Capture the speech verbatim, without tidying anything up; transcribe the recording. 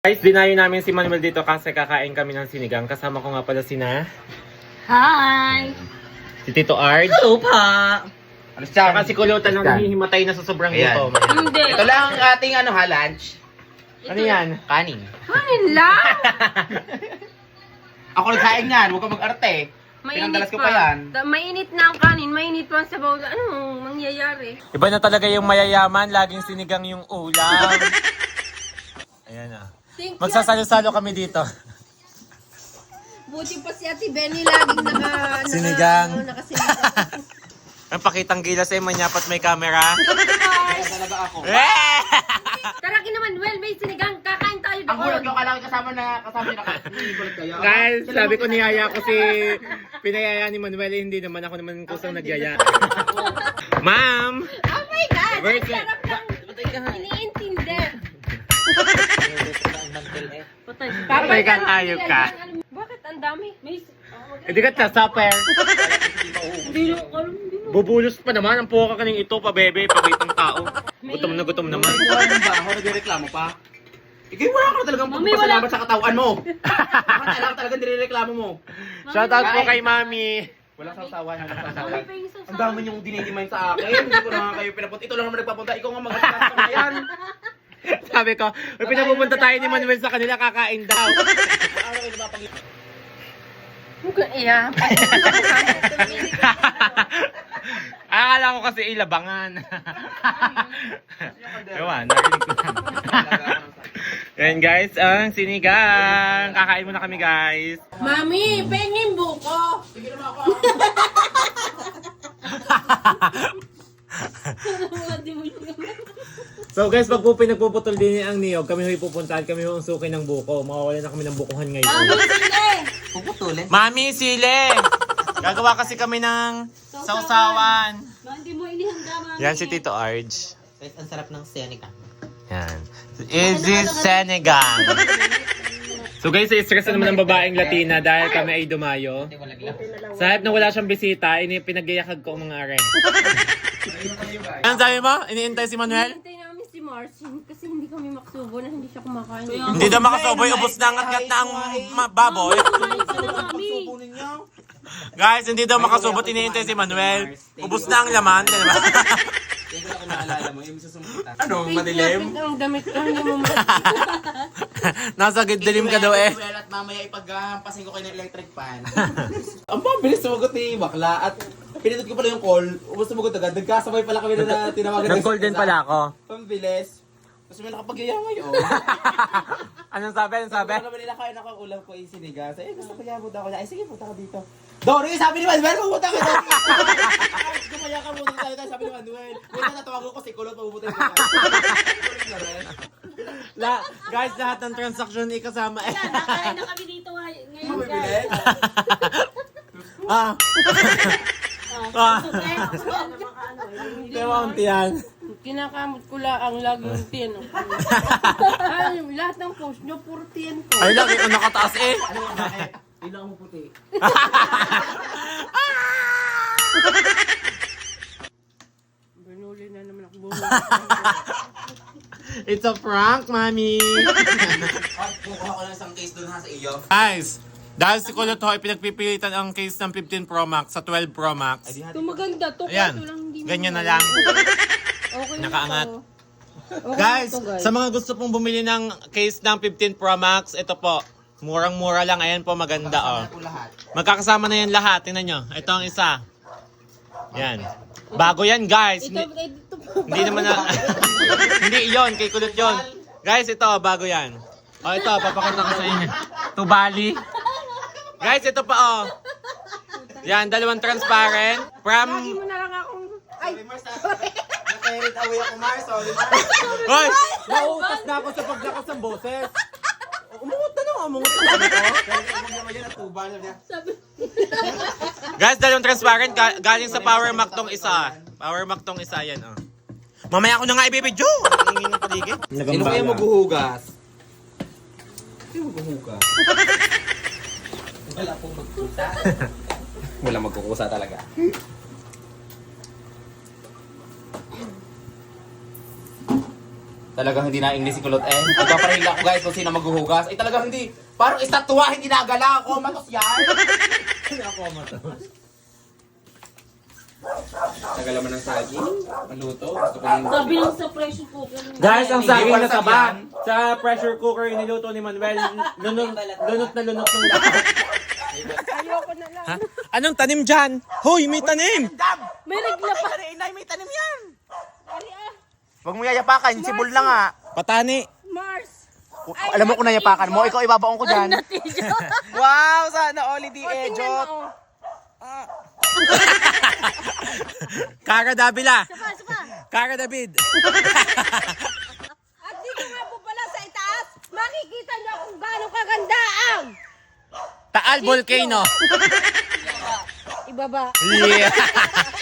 Guys, dinayo namin si Manuel dito kasi kakain kami ng sinigang. Kasama ko nga pala sina Hi! si Tito Ard. Hello pa! Ano siya? Saka si Kulutan na hihimatay na sa sobrang Ayan. gutom. Hindi. Ito lang ang ating ano ha, lunch. Ano yan? Kanin. Kanin lang! Ako nagkain yan, huwag ka mag-arte. Pinangdalas ko pa yan. Da- Mainit na ang kanin, mainit pa sa bawla. Anong mangyayari? Iba na talaga yung mayayaman, laging sinigang yung ulam. Ayan ah. Thank you. Magsasalo-salo kami dito. Buti pa si Ate Benny laging naka... naka Sinigang. ano, nakasinigang. Ang pakitang gilas eh, manyapat may camera. Kaya talaga ako. Eh! Tara naman, well, may sinigang. Kakain tayo doon. Ang gulat ko, kailangan kasama na, kasama na ka. Hindi gulat kayo. Guys, sabi ko niyaya ko si pinayaya ni Manuel, eh, hindi naman ako naman kusang nagyaya. Ma'am! Oh my God! Ang Where's sarap lang. Iniintindi. Patay. Patay kang hayop ka. Bakit ang dami? May... Hindi ka sa-supper. Hindi ko alam. Hindi mo. Bubulos pa naman ang puka kaning ito pa bebe, pabitang tao. Gutom na gutom naman. Wala nang baho, nagreklamo pa. Ikaw wala ka na talagang Mami, pagpasalamat sa katawan mo. Bakit alam talagang nireklamo mo? Shoutout po kay Mami. Walang sasawan, walang Mami, sasawan. pa yung sasawan. Ang dami niyong dinidimay sa akin. Hindi ko na nga kayo pinapunta. Ito lang naman nagpapunta. Ikaw nga mag-asas na yan. Sabi ko, may pinapupunta tayo ni Manuel sa kanila, kakain daw. Ano kayo napapag... Huwag kang iya. Akala ko kasi ilabangan. Ewan, narinig ko na. Yan guys, ang sinigang. Kakain muna kami guys. Mami, pengin buko. Sige naman ako. So guys, pag po pinagpuputol din ang niyog, kami huy pupuntahan, kami huy suki ng buko. Makawala na kami ng bukuhan ngayon. Mami, sili. Puputulin. Mami, sile! Gagawa kasi kami ng sausawan. Hindi mo inihanda, mami. Yan si Tito Arj. Guys, ang sarap ng Seneca. Yan. Easy Senegang. So guys, stress na naman ng babaeng Latina dahil kami ay dumayo. Sa halip na wala siyang bisita, ini pinagyayakag ko ang mga are. Ano sabi mo? Iniintay si Manuel? Hintay namin si Marcin kasi hindi kami maksubo na hindi siya kumakain. Hindi daw makasoboy, ubos na ang ngat na ang ma- baboy. Kumain ka na, mami. ninyo. Guys, hindi daw makasubot, iniintay si Manuel. Ubos na ang laman, di ba? Hindi ko na naalala mo, yung susumputan. Ano, madilim? Ang damit ka, hindi mo ma- Nasa dilim ka daw eh. Well, at mamaya ipaghampasin ko kayo ng electric fan. Ang mabilis sumagot ni Bakla at pinindot ko pala yung call. Ubus sumagot agad. Nagkasabay pala kami na tinawagan. Nag-call din pala ako. Pambilis. Tapos may nakapagyaya ngayon. Anong sabi? Anong sabi? Sabi naman nila kain ako ulam ko yung sinigang. Sabi, eh, gusto ko yabot ako. Ay, sige, punta ka dito. Dory, sabi ni Manuel, pupunta ka dito. Gumaya ka muna tayo tayo, sabi ni Manuel. Wala na tawagan ko si Kulot, pupunta ka. La, guys, lahat ng transaction ikasama eh. Nakain na kami dito ngay- ngayon, guys. Mabilis. Ah. Ah. Eh, Diba ang tiyan? Kinakamot ko lang ang lagi yung tiyan. Ay, lahat ng post nyo, puro tiyan ko. Ay, lagi ko nakataas eh. Ilang mo puti. Binuli na naman ako bumuli. It's a prank, mami. At kukuha ko lang isang case doon ha sa iyo. Guys, dahil si Kulot Hoy, pinagpipilitan ang case ng fifteen Pro Max sa twelve Pro Max. Ito maganda to. Ayan, kaso lang hindi ganyan na maganda. lang. Okay na Nakaangat. to. Okay Guys, na to, guys. sa mga gusto pong bumili ng case ng fifteen Pro Max, ito po. Murang-mura lang. Ayan po, maganda oh. Ako lahat. Magkakasama na yan lahat. Tingnan nyo. Ito ang isa. Yan. Bago yan, guys. Ito, Hindi, ito po. hindi naman na... hindi yon kay Kulot yon. Guys, ito, bago yan. O, ito, papakita ko sa inyo. Tubali. Guys, ito pa, oh. Yan, dalawang transparent. Lagi From... mo na lang akong... Ay, Sorry, Mars. Nakahirit away ako, Mars. Sorry, Mars. Hoy! Nauutas na ako sa paglakas ng boses. Umungot na naman, umungot na naman ako. Huwag naman yan at tuba. Sabi niya, sabi. Guys, dalawang transparent. Ga- galing sa Power Mac tong isa. Power Mac tong isa, yan, oh. Mamaya ako na nga ibibidyo. Ang ingin ng paligid. sino kaya maghuhugas? Sino maghuhugas? Wala pong magkusa. Wala magkukusa talaga. Talagang hindi na English si Kulot eh. Nagpapahinga ako guys kung sino maghuhugas. Ay talagang hindi. Parang estatwa, hindi nagala ako. Matos yan. Hindi ako matos. Tagal naman ng saging. Maluto. Gusto ko yung... Sabi lang sa pressure cooker. Guys, ang Hindi, saging wala na taba. yan. Sa pressure cooker niluto ni Manuel. Lunot, lunot na lunot ng lahat. Ayoko na lang. Ha? Anong tanim dyan? Hoy, may tanim! May regla pa. Inay, may tanim yan. Ari ah. Huwag mo yayapakan. Sibol na nga. Patani. Mars. Alam mo kung nayapakan mo. Ikaw ibabaon ko dyan. Natijo. Wow! Sana all di O, tingnan ejot. mo. Kara Davila. Sapa, sapa. Kara David. At dito nga po pala sa itaas, makikita niyo kung gaano kaganda ang Taal Volcano. ibaba. Yeah.